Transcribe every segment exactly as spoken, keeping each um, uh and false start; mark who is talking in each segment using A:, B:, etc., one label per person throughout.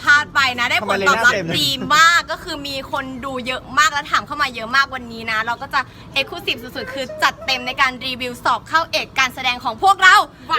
A: ภาษณ์ไปนะได้ผลตอบรับดีมากก็คือมีคนดูเยอะมากและถามเข้ามาเยอะมากวันนี้นะเราก็จะเอ็กซ์คลูซีฟสุดๆคือจัดเต็มในการรีวิวสอบเข้าเอกการแสดงของพวกเรา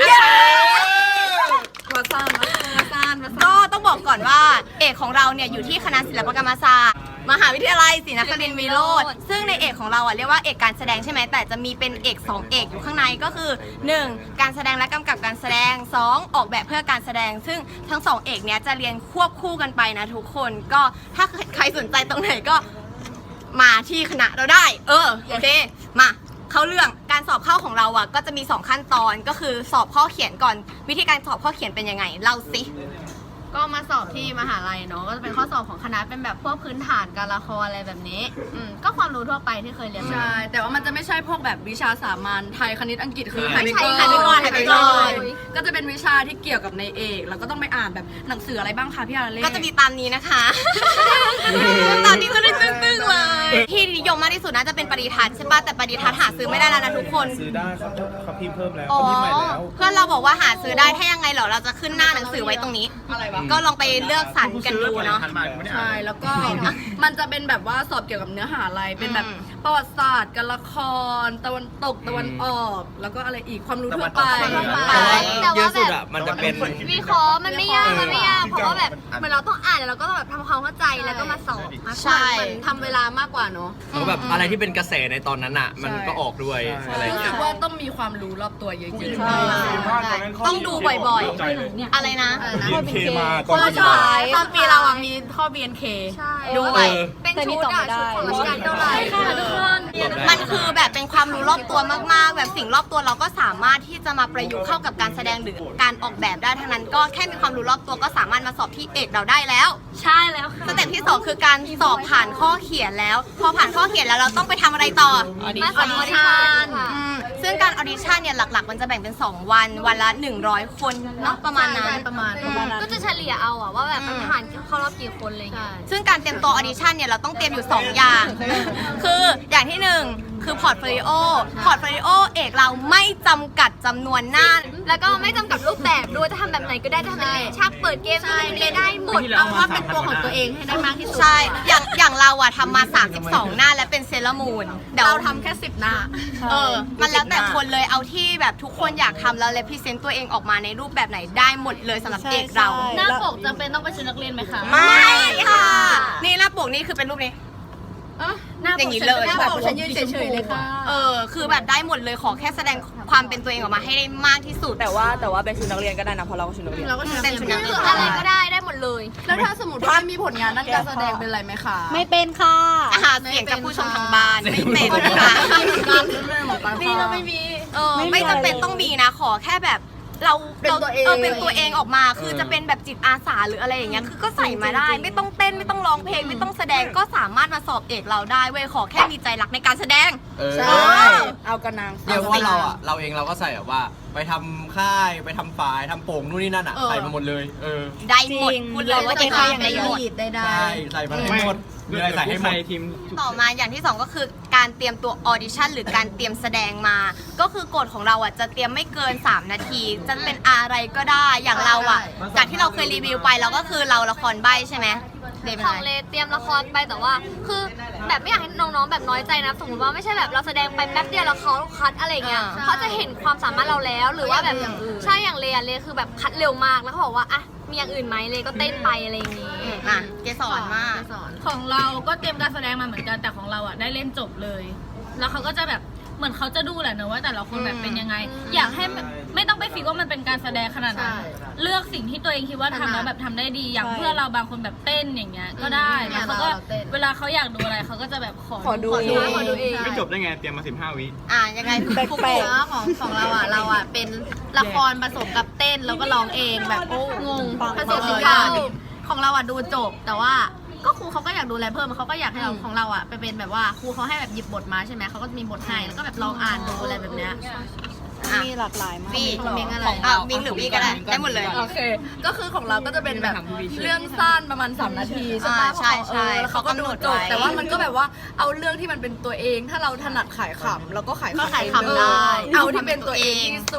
B: มาซ่านมาซ่านมาซ่าน
A: ก็ต้องบอกก่อนว่าเอกของเราเนี่ยอยู่ที่คณะศิลปกรรมศาสตร์มหาวิทยาลัยศรีนครินทร์วิโรจน์ซึ่งในเอกของเราอ่ะเรียกว่าเอกการแสดงใช่ไหมแต่จะมีเป็นเอกสองเอกอยู่ข้างในก็คือหนึ่งการแสดงและกำกับการแสดงสองออกแบบเพื่อการแสดงซึ่งทั้งสองเอกเนี้ยจะเรียนควบคู่กันไปนะทุกคนก็ถ้าใครสนใจตรงไหนก็มาที่คณะเราได้เออโอเคมาเข้าเรื่องการสอบเข้าของเราอ่ะก็จะมีสองขั้นตอนก็คือสอบข้อเขียนก่อนวิธีการสอบข้อเขียนเป็นยังไงเล่าสิ
C: ก็มาสอบที่มหาลัยเนาะก็จะเป็นข้อสอบของคณะเป็นแบบพวกพื้นฐานการละครอะไรแบบนี้อืมก็ความรู้ทั่วไปที่เคยเรียนมา
B: ใช่แต่ว่ามันจะไม่ใช่พวกแบบวิชาสามัญไทยคณิตอังกฤษคือ
A: ไม่
B: ไทย
A: ใช่
B: ไป
A: ไทยไปก่อนไทยไปก่อน
B: ก็จะเป็นวิชาที่เกี่ยวกับในเอกแล้วก็ต้องไปอ่านแบบหนังสืออะไรบ้างคะพี่อาราเล่
A: ก็จะมีตามนี้นะคะ ตามนี้จะได้ตึ้งๆเลยที่นิยมมากที่สุดน่าจะเป็นปริทัศน์ใช่ป่ะแต่ปริทัศน์หาซื้อไม่ได้แล้วนะทุกคน
D: ซื้อได้เขาเขาพิมพ์เพิ่มแล้ว
A: อ๋อ
D: เขาพิมพ์ใหม่แล้ว
A: เพื่อนเราบอกว่าหาซื้อได้ถ้ายังไงเหรอเราจะขึ้นหน้าหนังสือไว้ตรงนี้
B: อะไรวะ
A: ก็ลองไปเลือกสรรกันดูเนาะ
B: ใช่แล้วก็มันจะเป็นแบบว่าสอบเกี่ยวกับเนื้อหาอะไรเป็นแบบ
A: อืม
B: ประวัติศาสตร์การละครตะวันตกตะวันออก แล้วก็อะไรอีกความรู้ทั่วไป
C: แต่ว่า
E: เยอะสุดอ่ะมันจะเป็น
C: วิเคราะห์มันไม่ยากมันไม่ยากเพราะว่าแบบเหมือนเราต้องอ่านแล้วเราก็ต้องแบบทำความเข้าใจแล้วก็มาสอบมากกว่าเหมือนทำเวลามากกว่าเนาะ
E: แล้วก็แบบอะไรที่เป็นกระแสในตอนนั้นอ่ะ มันก็ออกด้วยอะไร
B: รู้
E: เงี้
B: สึ
E: ย
B: กว่าต้องมีความรู้รอบตัวเยอะๆ
A: ต้องดูบ่อยๆ อะไรนะ
D: บี เอ็น เค มา
B: ข้อสุดท้ายตอนปีเราอะมีข้อ บี เอ็น เค
C: ใช่
A: ด้วย
C: เป็นชุดอะชุดของรัชกาลเท่าไหร่ค่ะทุกคน
A: มันคือแบบเป็นความรู้รอบตัวมากๆ แบบสิ่งรอบตัวเราก็สามารถที่จะมาประยุกต์เข้ากับการแสดงหรือการออกแบบได้ทั้งนั้นก็แค่มีความรู้รอบตัวก็สามารถมาสอบที่เอกเราได้แล้ว
C: ใช่แล้วค่ะ
A: สเต็ปที่สองคือการสอบผ่านข้อเขียนแล้ว พอผ่านข้อเขียนแล้วเราต้องไปทำอะไรต่อ
C: มาสอบออดิชั่น
A: อืมซึ่งการออดิชั่นเนี่ยหลักๆ มันจะแบ่งเป็นสองวันวันละหนึ่งร้อยคนเนาะประมาณนั้น
B: ประมาณ
C: ก็จะเฉลี่ยเอาอะว่าแบบมันผ่านเข้ารอบกี่คนอะไรเงี้ย
A: ซึ่งการเตรียมตัวออดิชั่นเนี่ยเราต้องเตรียมอยู่ สอง อย่าง คืออย่างที่หนึ่งคือพอร์ตโฟลิโอ พอร์ตโฟลิโอเอกเราไม่จำกัดจำนวนหน้า
C: แล้วก็ไม่จำกัดรูปแบบด้วยจะทำแบบไหนก็ได้จะทำเป็นเลชักเปิดเกมอะไรก็ได้หมดเอาว่าเป็นตัวของตัวเองให้ได้มากที่สุด
A: ใช่ อย่างอย่างเราอะทำมา สามสิบสอง หน้าและเป็นเซเลอร์มูนเดี๋ยว
B: เราทำแค่สิบหน้า
A: เออ มันแล้วแต่คนเลยเอาที่แบบทุกคนอยากทำแล้วเลพรีเซนต์ตัวเองออกมาในรูปแบบไหนได้หมดเลยสำหรับเอกเรา
C: หน้าปกจำเป็นต้องเป็นชุดนักเรียนไหมคะ
A: ไม่ค่ะ นี่หน้าปกนี่คือเป็นรูปนี้
C: หน้าปก
A: อย่างนี้เลย
C: หน้า
B: แบบ
C: ปก
B: ฉันยืนเฉยๆเลยค่ะ
A: เออ คือแบบได้หมดเลยขอแค่แสดงความเป็นตัวเองออกมาให้ได้มากที่สุด
F: แต่ว่าแต่ว่าเป็นชุดนักเรียนก็ได้นะเพราะเราก็ชุดนักเรียน
B: เราก็ชุดนัก
A: เป็น
B: เรียน
A: ชุดนักเรี
C: คื
A: ย
C: อน อะไรก็ได้ได้หมดเลย
B: แล้วถ้าสมมติว่าไม่มีผลงานด้านการแสดงเป็นไรไหมคะ
F: ไม่เป็นค่ะ
A: หาเสียงจากผู้ชมทางบ้านไม่เป็นค่ะ
B: นี่เราไม่มี
A: เออไม่จำเป็นต้องมีนะขอแค่แบบเรา
B: เป็นตัวเอง
A: เป็นตัวเองออกมา คือจะเป็นแบบจิตอาสาหรืออะไรอย่างเงี้ยคือก็ใส่มาได้ ไม่ต้องเต้นไม่ต้องร้องเพลงไม่ต้องแสดงก็สามารถมาสอบเอกเราได้เว้ยขอแค่มีใจรักในการแสดง
E: เออ
B: ใช่
F: เอากระนาง
E: เรียกว่าเราอ่ะ เราเองเราก็ใส่แบบว่า ไปทำค่ายไปทำฝ่ายทำโป่งนู่นนี่นั่นอ่ะ
A: เออ
E: ใส่มาหมดเลย เออ
A: ได้หมดพูดเลยว่าจะได้ได้หมด
B: ได้ได้
E: ใช่ใส่มาให้หมดมีอะไรใส่ให้หมด
A: ต่อมาอย่างที่สองก็คือการเตรียมตัวออดิชั่นหรือการเตรียมแสดงมา ก็คือกฎของเราอ่ะจะเตรียมไม่เกินสามนาทีจะเป็นอะไรก็ได้อย่างเราอ่ะจากที่เราเคยรีวิวไปเราก็คือเราละครใบ้ใช่ไหมเดเป็น
C: ข
A: ไง
C: องเลเตรียมละครไปแต่ว่า คือแบบไม่อยากให้น้องๆแบบน้อยใจนะสมมติว่าไม่ใช่แบบเราแสดงไปแป๊บเดียวแล้วเขาคัดอะไรเงี้ยเขาจะเห็นความสามารถเราแล้วหรือว่าแบบใช่อย่างเลอะเลคือแบบคัดเร็วมากแล้วเขาบอกว่าอ่ะมีอย่างอื่นไหมเลก็เต้นไปอะไรอย่างงี้
A: อืมอ่ะเกสรมาก
G: ของเราก็เตรียมการแสดงมาเหมือนกันแต่ของเราอ่ะได้เล่นจบเลย แล้วเขาก็จะแบบเหมือนเขาจะดูแหละเนอะว่าแต่ละคนแบบเป็นยังไง อยากให้แบบไม่ต้องไปฟิกว่ามันเป็นการแสดงขนาดนั้นเลือกสิ่งที่ตัวเองคิดว่าทำแล้วแบบทำได้ดีอย่างเพื่อนเราบางคนแบบเต้นอย่างเงี้ยก็ได้แล้วเขาก็เวลาเขาอยากดูอะไรเขาก็จะแบบขอ
F: ขอดู
C: ขอดูขอดูเอง
D: ไม่จบได้ไง เตรียมมาสิบห้าวิ
A: อ่ะยังไง
F: แปลก
A: ฟุก
F: แปล
A: ฟุ
F: ก
A: ก
C: ของของเราอ่ะเราอ่ะเป็นละครผสมกับเต้นแล้วก็ร้องเองแบบโอ้งงผสมทุกอย่างของเราอ่ะดูจบแต่ว่าก็ครูเขาก็อยากดูอะไรเพิ่มเขาก็อยากให้เราของเราอ่ะไปเป็นแบบว่าครูเขาให้แบบหยิบบทมาใช่ไหมเขาก็จะมีบทให้แล้วก็แบบลองอ่านดูอะไรแบบเนี้ย
A: อ่ะ
F: มีหลากหลายมาก
A: วี
C: คอมเมนต์อะไร
A: ของอ่ะวิงหรือวีก็ได้ได้หมดเลย
B: โอเค ก็คือของเราก็จะเป็นแบบเรื่องสั้นประมาณสามนาทีใช่ปะ
A: อ่าใช่ใช่
B: เออแล้วเขาก็ดูจบ
A: เขากำหนดไว้
B: แต่ว่ามันก็แบบว่าเอาเรื่องที่มันเป็นตัวเอง ถ้าเราถนัดขายขำเราก็ขาย
A: ก็
B: ขำ
A: ขายขำ
B: เออ
A: ได้
B: เอาที่เป็นตัวเองที่สุด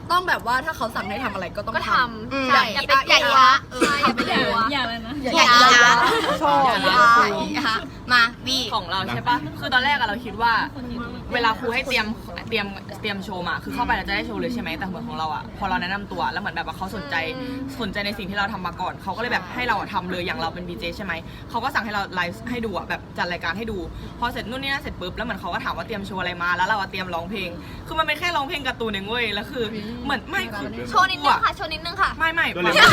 B: ต้องแบบว่าถ้าเขาสั่งให้ทำอะไรก็ต้อง
C: ก็
B: ท
C: ท
A: อืม
C: ำใช่อย่าไปอย่าอย่าเอออย่าไปอย่า
G: อย่าเลยนะ
A: อย่าอย่าชอบอย่ามาวี
F: ของเราใช่ปะคือตอนแรกอะเราคิดว่า เวลาครูให้เตรียมเตรียมเตรียมโชว์มาคือเข้าไปแล้วจะได้โชว์เลยใช่ไหมแต่เหมือนของเราอะพอเราแนะนำตัวแล้วเหมือนแบบว่าเขาสนใจสนใจในสิ่งที่เราทำมาก่อนเขาก็เลยแบบให้เราอะทำเลยอย่างเราเป็น บี เจ ใช่ไหมเขาก็สั่งให้เราไลฟ์ให้ดูอะแบบจัดรายการให้ดูพอเสร็จนู่นนี่นั่นเสร็จปุ๊บแล้วเหมือนเขาก็ถามว่าเตรียมโชว์อะไรมาแล้วเราอะเตรียมร้องเพลงคือมันเป็นแค่ร้องเพลงการ์ตูนเองเว้ยแล้วคือเหมือนไม่คือ
C: โชว์นิดนึงค่ะโชว์นิดนึงค่ะ
F: ไม่ไม่
D: ตัว
F: ไม่
D: เล็ก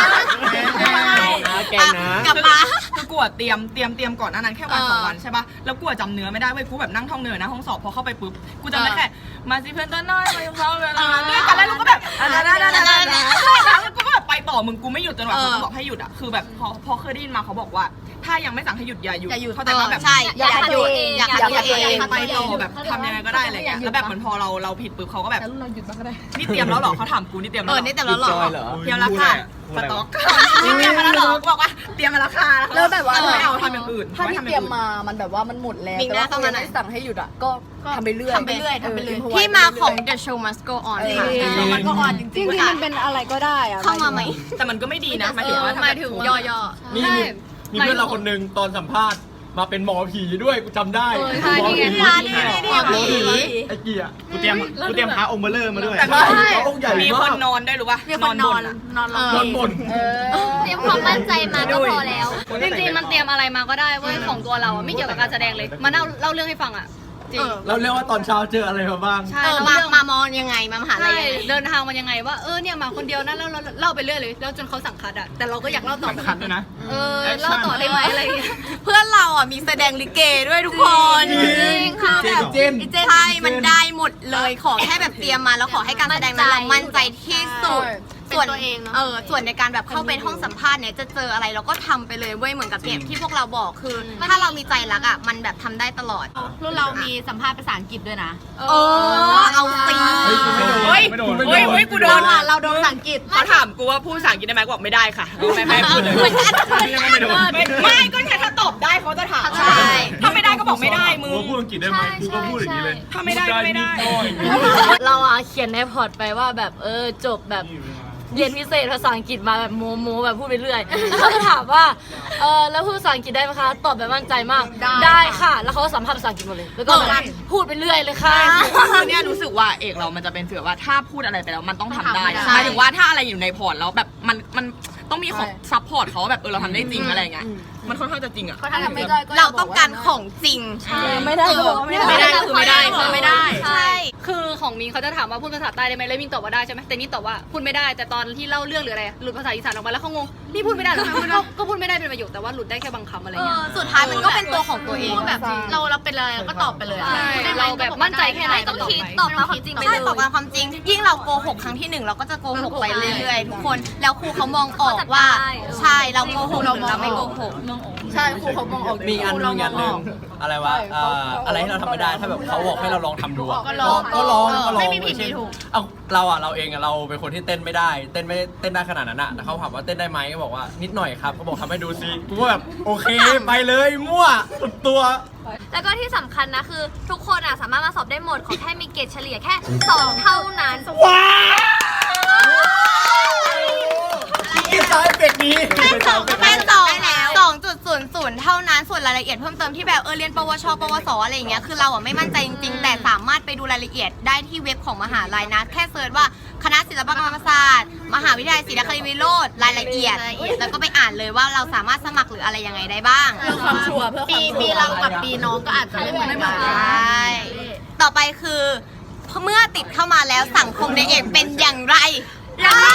E: แกงนะ
A: กลับมา
F: คือกลัวเตรียมเตรียมเตรียมก่อนหน้านั้นแค่วัน
A: เออ
F: สองวันใช่ปะแล้วกลัวจำเนื้อไม่ได้เว้ยกูแบบนั่งท่องเนื้อนะห้องสอบพอเข้าไปปุ๊บกูจำได้แค่มาสิเพื่อนตัวน้อยมาอยู่เขาเวลาด้วยกันแล้วเราก็แบบอ่ะได้ได้ได้ได้ได้แล้วกูก็แบบไปต่อมึงกูไม่หยุดจนกว่าเขาจะบอกให้หยุดอ่ะคือแบบพอพอเคยได้ยินมาเขาบอกว่า ถ้ายังไม่สั่งให้หยุดอย่าหยุด
A: อย่าหยุด
F: เข้าใจปะแบบ
A: ใช่อย่าหยุด
C: อย่า
A: อย่า
C: ขัด
A: หยุด
C: ตัวเอง
F: ไปต่อแบบทำยังไงก็ได้อะไรเงี้ยแล้วแบบเหมือนพอเราเราผิดปุ๊บเขาก็แบบนี่เตรียมแล้วหรอเขาถามกูนี่เตรียม
A: เอ
F: แล้ว
A: อ
F: หรอ
A: นี่แต่เราหลอก
E: จอยเหรอ
F: เตรียมแล้วค่ะสต็อกนี่เตรียมมาแล้วเหรอบอกว่าเตรียมมาแล้วค่ะ
B: แล้วแบบว่า
F: ไม่เอาทำอย่างอื่น
B: ถ้าที่เตรียมมามันแบบว่ามันหมดแล้ว
A: มีห
B: แต่
A: น้า
B: ว่า
A: เข้า
B: เขา
A: มาหน่อย
B: ไม่สั่งให้หยุดอ่ะก็ทำไปเรื่อย
A: ทำไปเรื่อยทำไปเรื่อย
B: ออ
A: ที่มาของ The Show Must Go On ค่ะ
B: เออ
A: มันก็ออนจ
B: จริ
A: ริ
B: ง
A: ง
B: ๆ
A: ๆ
B: มันเป็นอะไรก็ได้อะ
A: เข้ามาไหม
F: แต่มันก็ไม่ดีนะหมายถึงว่า
A: หมายถึงย่อ
E: มีมีมีเพื่อนเราคนหนึ่งตอนสัมภาษณ์มาเป็นหมอผีด้วยกูจำได้
A: ใช่นี่ไง
E: หมอผี
A: นี่ไงนี่ไง
E: หมอผี
A: หมอผี
E: ไอ้เกียร์
D: กูเตรียมกูเตรียมพระองค์เบลเลอร์มาด้วย
F: แต่
E: ใช่เขาองค์ใหญ่
F: มี
E: มา
F: คน
E: ก
F: นอนด้วยหรือวะ
A: มีคนนอน
F: อะ
A: นอนรอ
E: นอนบน
C: เตรียมความมั่นใจมาก็พอแล้ว
H: จริงๆ มันเตรียมอะไรมาก็ได้เว้ยของตัวเราอะไม่เกี่ยวกับการแสดงเลย มาเล่าเล่าเรื่องให้ฟังอ่ะ จริง
E: เราเรียกว่าตอนเช้าเจออะไรมาบ้าง
H: ใช่
A: เออ
H: แล้ว
A: มา
H: เรื่อง
A: มามอนยังไงมามหาลั
H: ใช่
A: ยยังไง
H: เดินทางมายังไงว่าเออเนี่ยมาคนเดียวนะแล้วเราเล่าไปเรื่อยเลยแล้วจนเขาสั่งคัดอ่ะแต่เราก็อยากเล่าต่อ
D: คัดด้วยนะ
H: เออเล่าต่อได้ไหมอะไรอย่างเงี้ย
A: เพื่อนเราอ่ะมีแสดงลิเกด้วยทุกคน
E: จริง
A: ค่ะ
E: เจนเจน
A: ใช่มันได้หมดเลยขอแค่แบบเตรียมมาแล้วขอให้การแสดงนั้นเรามั่นใจที่สุด
C: เป็นตัวเองเนอะ
A: เออส่วนในการแบบเข้าไปห้องสัมภาษณ์เนี่ยจะเจออะไรเราก็ทำไปเลยเว้ยเหมือนกับเนี่ยที่พวกเราบอกคือ ถ้าเรามีใจรักอ่ะมันแบบทำได้ตลอด
C: รุ่นเรามีสัมภาษณ์ภาษาอังกฤษด้วยนะ
A: เออเอาสิ
E: เฮ้ยกูไม่โดน
F: เฮ้ยเฮ้ยเฮ้ยกูโดน
B: อ่ะเราโดนภาษาอังกฤษ
F: เขาถามกูว่าพูดภาษาอังกฤษได้ไหมกูบอกไม่ได้ค่ะไม่ไม่พูดเลย
A: เหมือนกัน
D: ไม่โดน
F: ไม่ไม่ก็แค่ถ้าตอบได้เขาจะถาม
A: ใช่
F: ถ้าไม่ได้ก็บอกไม่ได้มึง
D: กูพูดอังกฤษได้ไหมกูก็พูดอย่างนี้เลย
F: ถ้าไม่ได้ก็ไม่ได้
I: เราอะเขียนในพอร์ตไปว่าแบบเออจบแบบเรียนพิเศษภาษาอังกฤษมาแบบโมโมแบบพูดไปเรื่อยเขาจะถามว่าเออแล้วพูดภาษาอังกฤษได้ไหมคะตอบแบบมั่นใจมากได้ค่ะ แล้วเขาก็สัมภาษณ์ภาษาอังกฤษหมดเลยแล้วก็แบบพูดไปเรื่อยเลยค่ะ
F: คือเนี่ยรู้สึกว่าเอกเรามันจะเป็นฟีลว่าถ้าพูดอะไรไปแล้วมันต้องทำได้
A: ใช่
F: หมายถึงว่าถ้าอะไรอยู่ในพอร์ตแล้วแบบมันมันต้องมีของซัพพอร์ตเขาว่าแบบเออเราทำได้จริงอะไรอย่างเงี้ยมันค่อนข้างจะจริงอ่ะ
C: เขาทำไม่ได้ก็
A: เราต้องการของจริง
B: ไม่ได้ก็บอกว่าไม่ได้
F: ไม่ได้คือไม่ได้คือไม่ได้
A: ใช่
H: คือของมิงเขาจะถามว่าพูดภาษาใต้ได้ไหมแล้วมิงตอบว่าได้ใช่ไหมแต่นี่ตอบว่าพูดไม่ได้แต่ตอนที่เล่าเรื่องหรืออะไรหลุดภาษาอีสานออกมาแล้วเขางงนี่พูดไม่ได้เหรอก็ก็พูดไม่ได้เป็นประโยคแต่ว่าหลุดได้แค่บางคำอะไร
A: เอ
H: เงี้ย
A: อสุดท้ายมันก็เป็นตัวของตัวเอง
C: พูดแบบเราเราเป็นอะไรก็ตอบไปเลยอะ
H: ใช่เราแบบมั่นใจแค่ไหนก็
C: ต้อง
H: ตอบ
C: คิด
H: ไป
C: ตอบตามความจริงไป
A: ใช่
C: เลย
A: ตอบตามความจริง ยิ่งเราโกหกครั้งที่หนึ่งเราก็จะโกหกไปเรื่อยๆทุกคน แล้วครูเขามองออกว่า ใช่เราโกหกหรือเราไม่โกหก
B: ใช่ครูเขามองออก
E: มีอันหนึงอันหนึงอะไรวะเอ่ออะไรที่เราทำไม่ได้ถ้าแบบเขาบอกให้เราลองทำดูอะ
C: ก็ลอง
E: ก็ลองก็ลอง
C: ไม่มีผิดมีถูก
E: เอาเราอะเราเองอะเราเป็นคนที่เต้นไม่ได้ เต้นไม่เต้นได้ขนาดนั้นอะแต่เขาถามว่าเต้นได้ไหมก็บอกว่านิดหน่อยครับเขาบอกทำให้ดูซิกูก็แบบโอเคไปเลยมั่วสุดตัว
C: แล้วก็ที่สำคัญนะคือ ทุกคนอ่ะสามารถมาสอบได้หมด ขอแค่มีเกรดเฉลี่ยแค่สองเท่านั้น
E: ว้าวกินสายเป็กนี้
A: แค่สองแค่สองสองจุดศูนย์ศูนย์เท่านั้นส่วนรายละเอียดเพิ่มเติมที่แบบเออเรียนปวช ปวสอะไรอย่างเงี้ยคือเราอ่ะไม่มั่นใจจริงๆ แต่สามารถไปดูรายละเอียดได้ที่เว็บของมหาลัยนะ แค่เซิร์ชว่าคณะศิลปกรรมศาสตร์ มหาวิทยาลัยศรีนครินทร์วิโรจน์รายละเอียด แล้วก็ไปอ่านเลยว่าเราสามารถสมัครหรืออะไรยังไงได้บ้าง
B: เพื่อความชัวร์เพื่อความ
C: ปี
B: ชัวร์
C: ปีเรากับปีน้องก็อาจจะไม่เหมือนกัน
A: ใช่ต่อไปคือเมื่อติดเข้ามาแล้วสังคมในเอกเป็นอย่างไรอย่างไร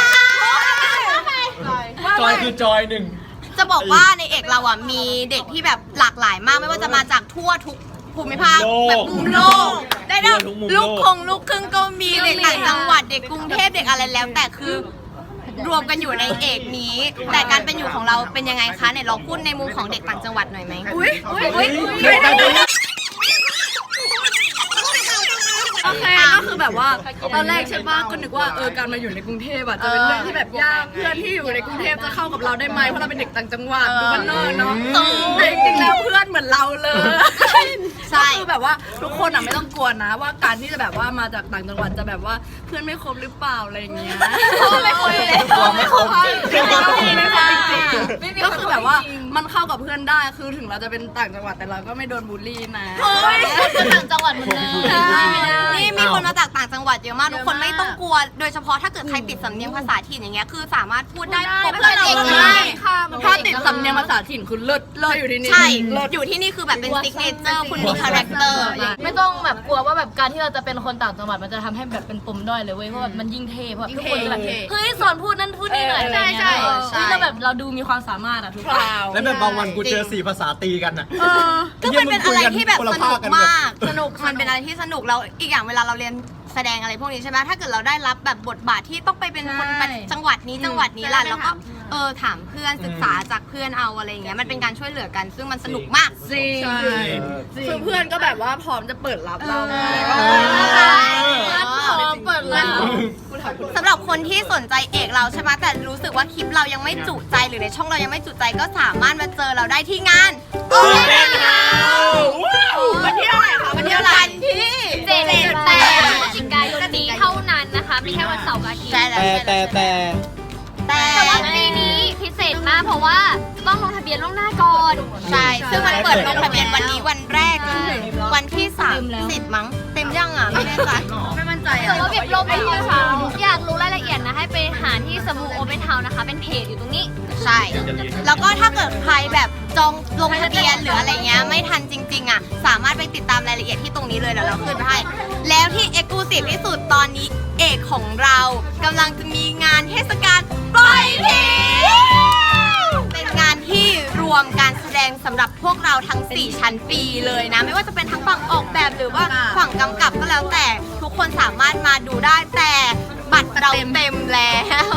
E: จอยคือจอยหนึ่ง
A: จะบอกว่าในเอกเราอ่ะมีเด็กที่แบบหลากหลายมากไม่ว่าจะมาจากทั่วทุกภูมิภาคแบบมุมโลกได้ทั้งลูกคงลูกครึ่งก็มีเด็กต่างจังหวัดเด็กกรุงเทพเด็กอะไรแล้ว แต่คือรวมกันอยู่ในเอกนี้ แต่การเป็นอยู่ของเราเป็นยังไงคะเนี่ยลองพูดในมุมของเด็กต่างจังหวัดหน่อยไหมอุ้ยอุ้ยอุ้ย
B: โอเคก็คือแบบว่าตอนแรกใช่ปะก็นึกว่าเออการมาอยู่ในกรุงเทพอะจะเป็นเรื่องที่แบบยากเพื่อนที่อยู่ในกรุงเทพจะเข้ากับเราได้ไหมเพราะเราเป็นเด็กต่างจังหวัดดูบ้านนอกเนาะแต่จริงๆแล้วเพื่อนเหมือนเราเลย
A: ใช่
B: ก็คือแบบว่าทุกคนอ่ะไม่ต้องกลัวนะว่าการที่จะแบบว่ามาจากต่างจังหวัดจะแบบว่าเพื่อนไม่ครบหรือเปล่าอะไรอย่างเงี้ย
A: ไม่ครบเลย
B: ไม่ครบไม่ครบจริงไม่ครบจริงก็คือแบบว่ามันเข้ากับเพื่อนได้คือถึงเราจะเป็นต่างจังหวัดแต่เราก็ไม่โดนบูลลี่นะ
C: คนต่างจังหวัดหมดเลย
A: นี่มีคนมาจากต่างจังหวัดเยอะมากทุกคนไม่ต้องกลัว โดยเฉพาะถ้าเกิดใครติดสำเนียงภาษาถิ่นอย่างเงี้ยคือสามารถพูดได้ปก
C: ไม่เป็น
A: ติ
C: เอก
A: เล
C: เลย
A: ย
B: ถ้าติดสำเนียงภาษาถิ่นคุณเลิศเลิศอยู่ที่นี่
A: ใช่ อยู่ที่นี่คือแบบเป็นซิกเนเจอร์คุณมีคาแรคเตอร์
I: ไม่ต้องแบบกลัวว่าแบบการที่เราจะเป็นคนต่างจังหวัดมันจะทำให้แบบเป็นปมด้อยเลยเว้ยเพราะว่ามันยิ่งเท่เพราะทุกคนจะแบบเฮ้ยสอนพูดนั่นพูดนี่หน่อยอะไรเงี้ยเฮ้ยเราแบบเราดูมีความสามารถอะทุกคน
E: แล้วแบบบางวันกูเจอสี่ภาษาตีกันอ่ะ
A: ก็มันเป็นอะไรที่แบบสนุกมาก
B: สนุก
A: มันเป็นอะไรที่สนุกแล้วอีกอย่างเวลาเราเรียนแสดงอะไรพวกนี้ใช่ไหมถ้าเกิดเราได้รับแบบบทบาทที่ต้องไปเป็นคนไปจังหวัดนี้จังหวัดนี้ล่ะแล้วก็เออถามเพื่อนศึกษาจากเพื่อนเอาอะไรอย่างเงี้ยมันเป็นการช่วยเหลือกันซึ่งมันสนุกมาก
B: จริงคือเพื่อนก็แบบว่าพร้อมจะเปิดรับเรา
A: พร้อมเปิดแล้วสำหรับคนที่สนใจเอกเราใช่ไหมแต่รู้สึกว่าคลิปเรายังไม่จุใจหรือในช่องเรายังไม่จุใจก็สามารถมาเจอเราได้ที่งาน Open House วันที่เท่าไหร่คะวันที่เท่าไหร่ที่
C: เจ็ดแปดพฤศจิกายนนี้เท่านั้นนะคะมีแค่วันเสาร์กับอาทิตย์
E: แต่แต่แต่
A: แต่
C: แต่ว่าปีนี้พิเศษมากเพราะว่าต้องลงทะเบียนล่วงหน้าก่อน
A: ใช่ซึ่งมันเปิดลงทะเบียนวันนี้วันแรกจนถึงวันที่สามสิบมั้งเต็มยังอ่ะไม่แน่ใจ
B: ไม่มั่นใจ
C: แต่ว่าเก็บลงไปที่เช้าอยากรู้รายละเอียดนะให้ไปหาที่สบู่โอเปนเฮาส์นะคะเป็นเพจอยู่ตรงนี้
A: ใช่ แล้วก็ถ้าเกิดใครแบบจองลงทะเบียนหรืออะไรเงี้ยไม่ทันจริงๆอ่ะสามารถไปติดตามรายละเอียดที่ตรงนี้เลยเดี๋ยวเราขึ้นไปให้แล้วที่เอ็กซ์คลูซีฟที่สุดตอนนี้เอกของเรากำลังจะมีงานเทศกาลปล่อยผีเป็นงานที่รวมการแสดงสำหรับพวกเราทั้งสี่ชั้นปีเลยนะไม่ว่าจะเป็นทั้งฝั่งออกแบบหรือว่าฝั่งกำกับก็แล้วแต่ทุกคนสามารถมาดูได้แต่บัตรเราเต็มแล้ว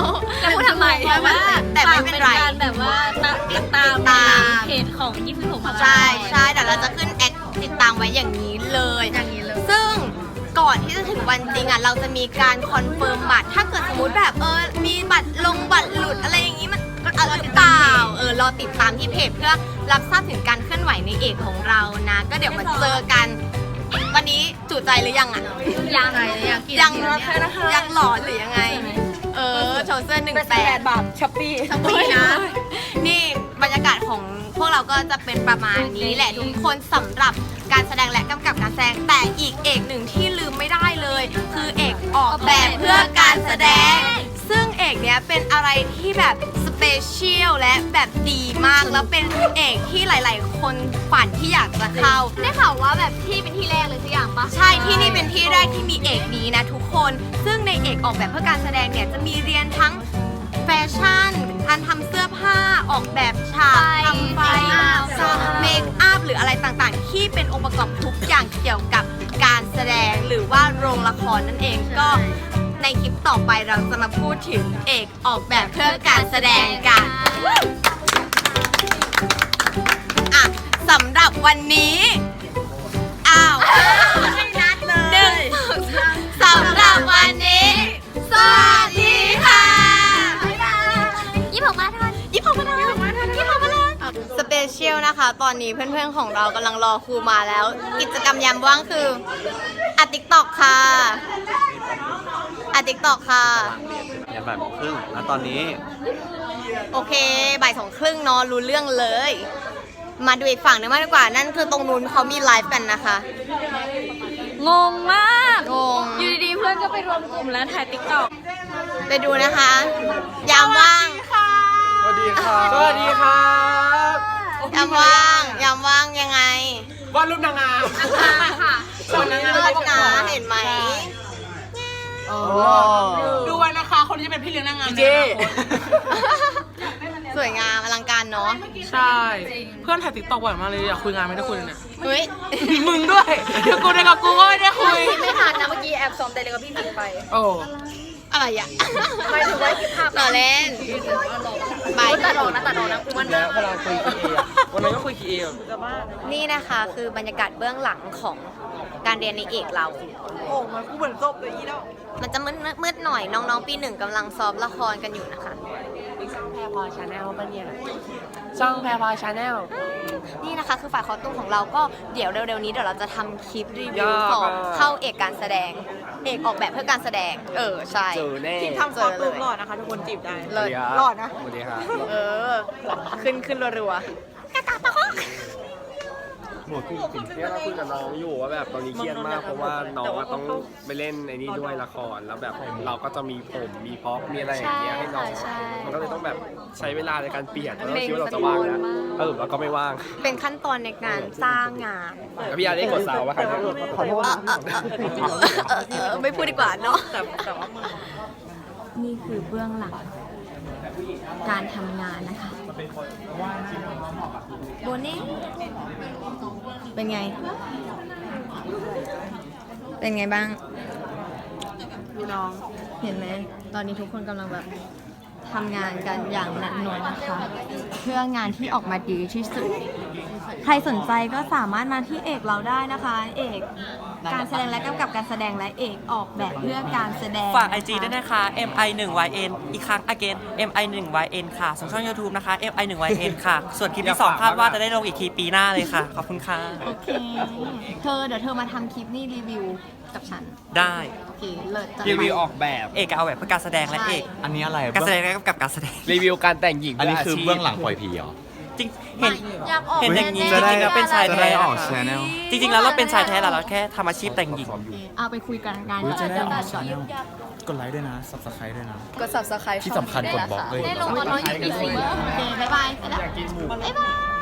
C: แล้วพูดทำไม
A: เพราะว่าแต่ไม่เป็นไร
G: การแบบว่าติดตาม
A: ตาม
G: เพจของยี่สิบหกมา
A: ใช่ใช่เดี๋ยวเราจะขึ้นแอคติดตามไว้อย่างนี้เลยอย่างนี้เลย ซึ่งก่อนที่จะถึงวันจริงอ่ะเราจะมีการคอนเฟิร์มบัตรถ้าเกิดสมมติแบบเออมีบัตรลงบัตรหลุดอะไรอย่างนี้มันก็อะไรหรือเปล่าเออรอติดตามที่เพจเพื่อรับทราบถึงการเคลื่อนไหวในเอกของเรานะ ก็เดี๋ยวมาเจอกัน วันนี้จุใจหรือยังอ่ะ
C: ยัง
A: ยังยังหลอนหรือยังไง เออโชว์เสื้อหนึ่งแปด
B: บาทช้อปปี้
A: ช้อปปี้นะ นี่บรรยากาศของพวกเราก็จะเป็นประมาณนี้แหละทุกคนสำหรับการแสดงและกำกับการแสดงแต่อีกเอกหนึ่งที่ลืมไม่ได้เลย คือเอกออกแบบเพื่อการแสดง ซึ่งเอกเนี้ยเป็นอะไรที่แบบสเปเชียลและแบบดีมากแล้วเป็นเอกที่หลาย ๆ คนฝันที่อยากจะเข้า
C: ได้ข่าวว่าแบบที่เป็นที่แรกเลยสักอย่างปะ
A: ใช่ที่นี่เป็นที่แรกที่มีเอกนี้นะทุกคน ซึ่งในเอกออกแบบเพื่อการแสดงเนี่ยจะมีเรียนทั้งแฟชั่นการทำเสื้อผ้าออกแบบฉากทำไฟเมคอัพหรืออะไรต่างๆ ที่เป็นองค์ประกอบทุกอย่างเกี่ยวกับการแสดงหรือว่าโรงละครนั่นเองก็ในคลิปต่อไปเราจะมาพูดถึงเอกออกแบบเพื่อการแสดงกันอ่ะสำหรับวันนี้อ้าวไม่นัดเลยหนึ่งสำหรับวันนี้สวัสดีค่ะ
C: ยี่สิบหกมาทัน
A: ยี่สิบหกมาทันยี่สิบหกมาทันสเปเชียลนะคะ ตอนนี้เพื่อนๆของเรากำลังรอครูมาแล้ว กิจกรรมยามว่างคืออัดติ๊กตอกค่ะอัดติ๊กตอกค่ะ
J: อย่าบ่ายโมงครึ่งแล้วตอนนี้
A: โอเคบ่ายสองครึ่งเนอะรู้เรื่องเลย มาดูอีกฝั่งหนึงมากดีกว่านั่นคือตรงนู้นเขามีไลฟ์กันนะคะ
G: งงมาก
A: งง
G: อยู่ดีๆเพื่อนก็ไปรวมกลุ่มแล้วถ่ายติ๊กต็อก
A: ไปดูนะคะ ยามว่าง
E: สวัสดีครับสวัสดีครับ
A: ยามว่างยามว่างยังไง
E: วาดรูปนางงาม
C: ค่ะ
A: คนนี้เลิศนะเห็นไหม
F: ดูไว้นะคะคนที่เป็นพี่เลี้ยงนางงาม
E: เจ
A: สวยงามอลังการเนาะ
F: ใช่ เพื่อนถ่ายติ๊กต็อกบ่อยมากเลยอยากคุยงานไม่ได้คุยเลยเนี่ย
A: เฮ้ย
F: มึงด้วยแล้วกูได้กับกูก็ไม่ได้คุย
C: ไม่ทันนะเมื่อกี้แอบซ้อมแต่เลยกับพี่ผิงไป
F: โอ้
A: อะไรอ่ะ
C: ไม่ถือว่าคลิปภาพ
A: ต่อเล่นบาย
C: ตัดออกนะตัดออกนะกูมัน
E: แล้วเวลาคุยคีเออะวันนั้นก็คุยคีเออะ
A: นี่นะคะคือบรรยากาศเบื้องหลังของการเรียนในเอกเรา
F: โอ้มันกูเหมือนจบเลยอีดอก
A: มันจะมืดมืดๆหน่อยน้องๆปีหนึ่งกำลังซ้อมละครกันอยู่นะคะ
I: แพรพอชาแนลปะเนี่ย
K: ช่องแพรพาชาแนล
A: นี่นะคะคือฝ่ายคอสตูมของเราก็เดี๋ยวเร็วๆนี้เดี๋ยวเราจะทำคลิปรีวิ
K: ย่
A: ว
K: อ
A: สอบ
K: ก็
A: เข้าเอกการแสดง เอกออกแบบเพื่อการแสดง เออใช่
K: เจอแน่
A: ทีมทำคอสตูมหล่อนะคะทุกคนจีบได้เลยหล่อนะ
K: สวัสดีครับ
A: เออ ขึ้นขึ้นรัวๆ
K: เนี่ยเราคุยกับน้องอยู่ว่าแบบตอนนี้เครียดมากเพราะว่าน้องอะต้องไปเล่นไอ้นี่ด้วยละครแล้วแบบเราก็จะมีผมมีพ็อปมีอะไรอย่างเงี้ยให้น้อง
A: ใช่ค่ะใช่
K: มันก็เลยต้องแบบใช้เวลาในการเปลี่ยนเพราะเราคิดว่าเราจะว่างนะเออเราก็ไม่ว่าง
A: เป็นขั้นตอนในการสร้างงาน
K: แล้วพี่อาได้กดสาวว่าใครขอโทษนะ
A: เออไม่พูดดีกว่าเนาะนี่คือเบื้องหลังการทำงานนะคะโบนี่เป็นไง เป็นไงบ้างน้องเห็นไหมตอนนี้ทุกคนกำลังแบบทำงานกันอย่างหนักหน่วงนะคะ เพื่องานที่ออกมาดีที่สุด ใครสนใจก็สามารถมาที่เอกเราได้นะคะ เอกการแสดงและกำกับการแสดงและเอกออกแบบเพื่อการแสดง
L: ฝาก ไอ จี ด้วยนะคะ เอ็ม ไอ วัน วาย เอ็น อีกครั้ง again เอ็ม ไอ วัน วาย เอ็น ค่ะส่วนช่อง YouTube นะคะ เอ็ม ไอ วัน วาย เอ็น ค่ะ ส่วนคลิปที่สองคาดว่าจะได้ลงอีกทีปีหน้าเลยค่ะ ขอบคุณค่ะ
A: โอเค เธอเดี๋ยวเธอมาทำคลิปนี่รีวิวกับฉัน
L: ได้
A: โอเค เลิศจัง
K: รีวิวออกแบบ
L: เอกเอาแบบเพื่อการแสดงและเอก
J: อันนี้อะไร
L: การแสดงและกำกับการแสดง
K: รีวิวการแต่งหญิง
J: อันนี้คือ
K: ด้วยาชีพ
J: เบื้องหลังปล่อยผีเหรอ
L: จริงเห็น
C: อยากออก
L: เห็นอย่างนี้
C: แน่ๆ
L: จริงๆแล้วเป็นชาย
J: จะ
L: แท้
J: ได้ออก
L: นะคะ
J: channel
L: จริงๆแล้วเราเป็นชายแท้แหละเราแค่ทำอาชีพแต่งหญิง
A: เอาไปคุยกันงาน
J: จะได้ออก
A: ก่อน
J: channel กดไลค์ด้วยนะ subscribe ด้วยนะ
B: กด subscribe
J: ที่สำคัญกดบล็อกเลย
C: ได้ลงตอนน้องอยู่ปีสี่
A: โอเค บ๊ายบายไปแล้วบ๊ายบาย